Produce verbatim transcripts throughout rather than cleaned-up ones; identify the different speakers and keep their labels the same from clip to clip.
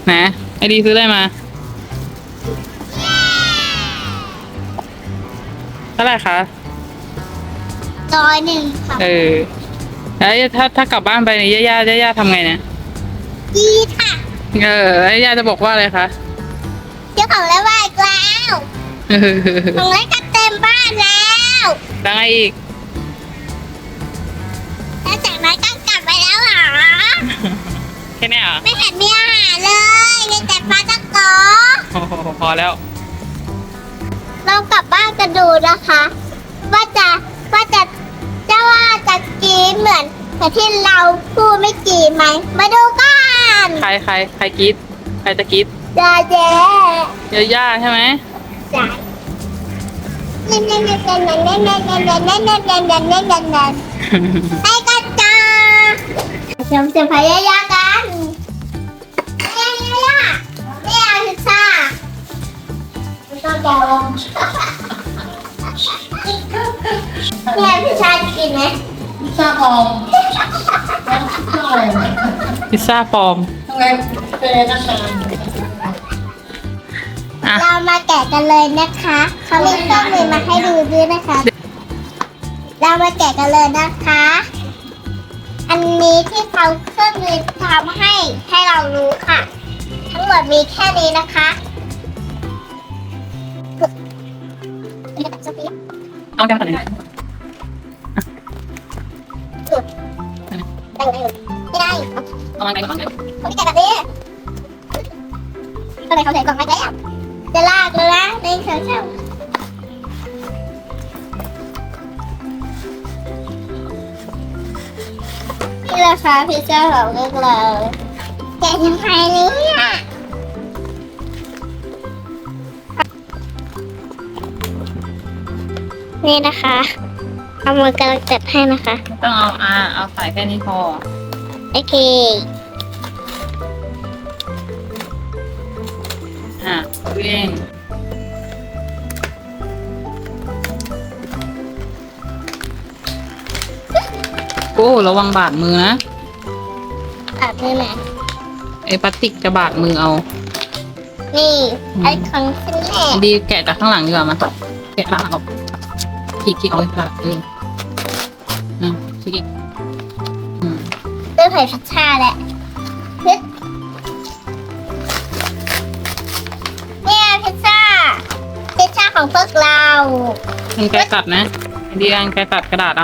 Speaker 1: นะไอดีซื้อได้มาเท่าไหร่คะ
Speaker 2: ร้อยหนึ่งค่ะ
Speaker 1: เออแล้วถ้าถ้ากลับบ้านไปเนี่ยย่าย่าย่าย่าทำไงเนี่ย
Speaker 2: ดีค่ะ
Speaker 1: เออแล้วย่าจะบอกว่าอะไรคะ
Speaker 2: เจ้าของแล้วว่าอีกแล้วของเล่นก็เต็มบ้านแล้ว
Speaker 1: แล้วไงอีก
Speaker 2: แล้วจากนั้นก็กลับไปแล้วเหรอ
Speaker 1: แค่นี้เหรอ
Speaker 2: ไม่เห็นมีอาหารเลยมีแต่ปลาตะโก
Speaker 1: โอ้โหพอแล้ว
Speaker 2: เรากลับบ้านกันดูนะคะว่าจะว่าจะจะว่าจะกินเหมือนแต่ที่เราพูดไม่กินไหมมาดูกัน
Speaker 1: ใครใครใครกรีดใครจะกรีด
Speaker 2: ยาเจ๊
Speaker 1: ย่าย่าใช่ไหม
Speaker 2: ใช่เน่นเน่นเน่นเน่นเน่นเน่นเน่นเน่นเน่นเน่นเน่นเน่นเน่นเน่นเน่นเน่นไปกันจ้าเดี๋ยวจะพยายามกันยายายาไม่เอาพิซซ่าไม่ต้องแกลงพี่ให้พิซซ่ากินไหม
Speaker 3: พิซซ่าปลอม
Speaker 1: พิซซ่าปลอม
Speaker 3: ทำไมเป็นนักการ
Speaker 2: เรามาแกะกันเลยนะคะเขามีเครื่องมือมาให้ดูด้วยนะคะเรามาแกะกันเลยนะคะอันนี้ที่เขาเครื่องมือทำให้ให้เรารู้ค่ะทั้งหมดมีแค่นี้นะคะ
Speaker 1: เอาแก้วตัดเลย
Speaker 2: ได้ไหมไม่ได้
Speaker 1: เอามาไหนก่อน
Speaker 2: เขาไม่แกะแบบนี้ก็เลยเขาใส่กล่องไว้แล้วจะลากเลยนะในเชิงเช่านี่แหละค่ะพิซซ่าของเลือกเลยแกะยังไงเนี่ยนี่นะคะเอามือกำลังจัดให้นะคะ
Speaker 1: ต้องเอาอ่าเอาใส่แค่นี้พอ
Speaker 2: โอเค
Speaker 1: อ่ะเวียนโอ้ระวังบาดมือนะ
Speaker 2: บาดมือไหม
Speaker 1: ไอ้พลาสติกจะบาดมือเอา
Speaker 2: นี่ไอ้ของชิ้นแรก
Speaker 1: ดีแกะจากข้างหลังดีกว่ามาแกะข้างหลังออกขีดขีดเอาไว้ค่ะเอออืมขีดอืม
Speaker 2: เริ่มใส่พิซซ่าแหละพิซเนี่ยพิซซ่าพิซซ่าของพวกเรา
Speaker 1: มันแกะตัดนะดีอันแกะตัดกระดาษเอา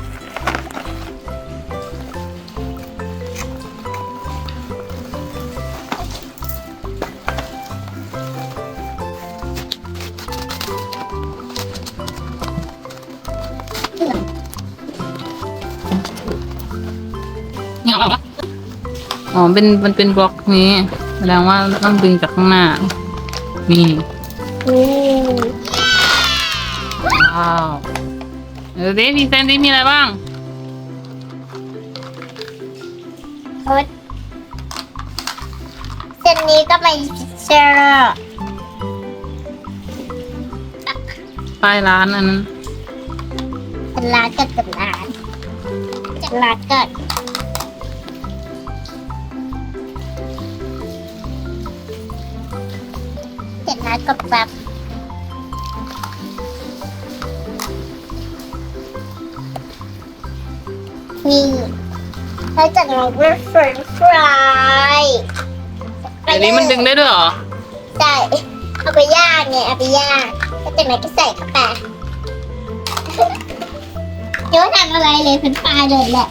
Speaker 1: เนี่ยเอาละอ๋อเป็นมันเป็นบล็อกนี้แสดงว่าต้องดึงจากข้างหน้านี่ว้าวเออเดฟมีเซนดี้มีอะไรบ้าง
Speaker 2: เส้นนี้ก็เป็นพิซซ่า
Speaker 1: ป้ายร้านอันนั้น
Speaker 2: เป็นร้านกันเป็นร้านเป็นร้านกันเจ็ดร้านกับแบบนี่แล้วจากนั้นก็เฟรนช์ฟราย
Speaker 1: อันนี้มันดึงได้ด้วยเหรอ
Speaker 2: ใช่เอาไปย่างไงเอาไปย่างแล้วจากนั้นก็ใส่เข้าไปเดี๋ยวทำอะไรเลยเป็นปลาเลยแหละ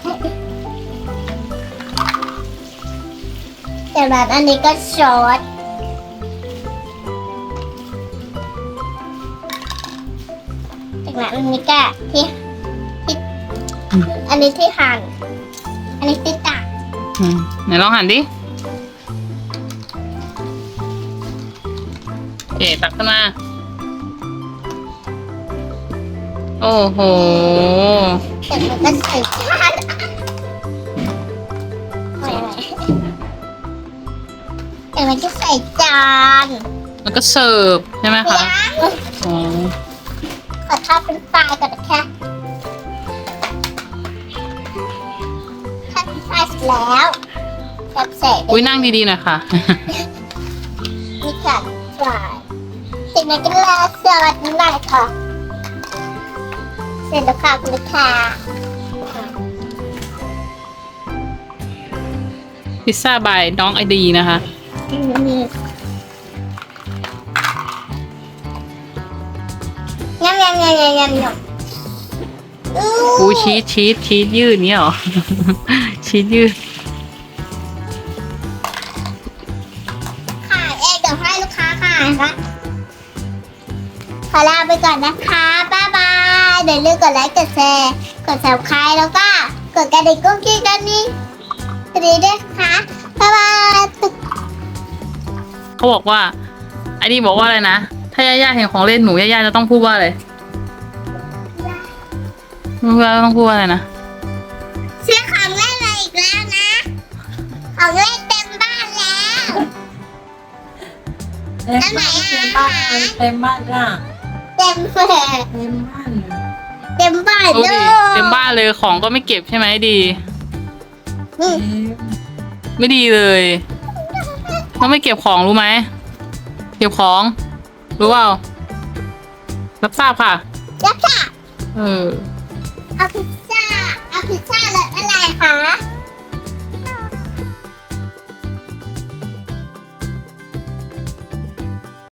Speaker 2: จากนั้นอันนี้ก็ซอสจากนั้นอันนี้ก็ที่ที่อันนี้ที่หั่นอันนี้ที่ตัก
Speaker 1: ไหนลองหั่นดิโอเคตักขึ้นมาโอ้โห
Speaker 2: แต่มันก็ใส่จานแต่มันก็ใส่จาน
Speaker 1: แล้วก็เสิร์ฟใช่ไหมคะอ๋อ
Speaker 2: ขอทอดเป็นไฟก่อนนะคะทอดเป็นไฟเสร็จแล้วแบบเสร็จ
Speaker 1: อุ้ยนั่งดีๆหน่อยค่ะ
Speaker 2: จัดจ่ายเสร็จแล้วก็ลาสวัสดีหน่อยค่ะเสร็จแล้วค่ะคุณลูกค้า
Speaker 1: พิซซ่าบายน้องไอดีนะคะ
Speaker 2: ยำยำยำยำยำยำ
Speaker 1: กูชีสชีสชีสยืดเนี้ยเหรอ ชีสยืด
Speaker 2: ขายเองเดี๋ยวให้ลูกค้าขายนะขอลาไปก่อนนะคะบ๊ายบายอย่าลืมกดไลค์กดแชร์กด ซับสไครบ์ แล้วก็กดกระดิ่งกุ้งกิ้งกันนี่สวัสดีด้วยค่ะบ๊ายบาย
Speaker 1: เขาบอกว่าไอดีบอกว่าอะไรนะ ถ้าย่าๆเห็นของเล่นหนูย่าๆจะต้องพูดว่าอะไรไม่รู้ว่าต้องพูดว่าอะไรนะ
Speaker 2: ซื้อของเล่นมาอีกแล้วนะของเล่นเต็มบ้านแล้ว
Speaker 3: เต็มบ้านเต็มบ้านเต็มบ้านจ้ะ
Speaker 2: เต็มเฟอ
Speaker 3: เต็มบ้าน
Speaker 2: เต็มบ้าน
Speaker 1: ดู
Speaker 2: เล
Speaker 1: ดิ
Speaker 2: ย
Speaker 1: เต็มบ้านเลยของก็ไม่เก็บใช่ไหมดี
Speaker 2: อืม
Speaker 1: ไม่ดีเลยต้องไม่เก็บของรู้ไหมเก็บของรู้เปล่ารับทราบค่ะ
Speaker 2: แล้วค่ะ
Speaker 1: เออ
Speaker 2: เอาพิซ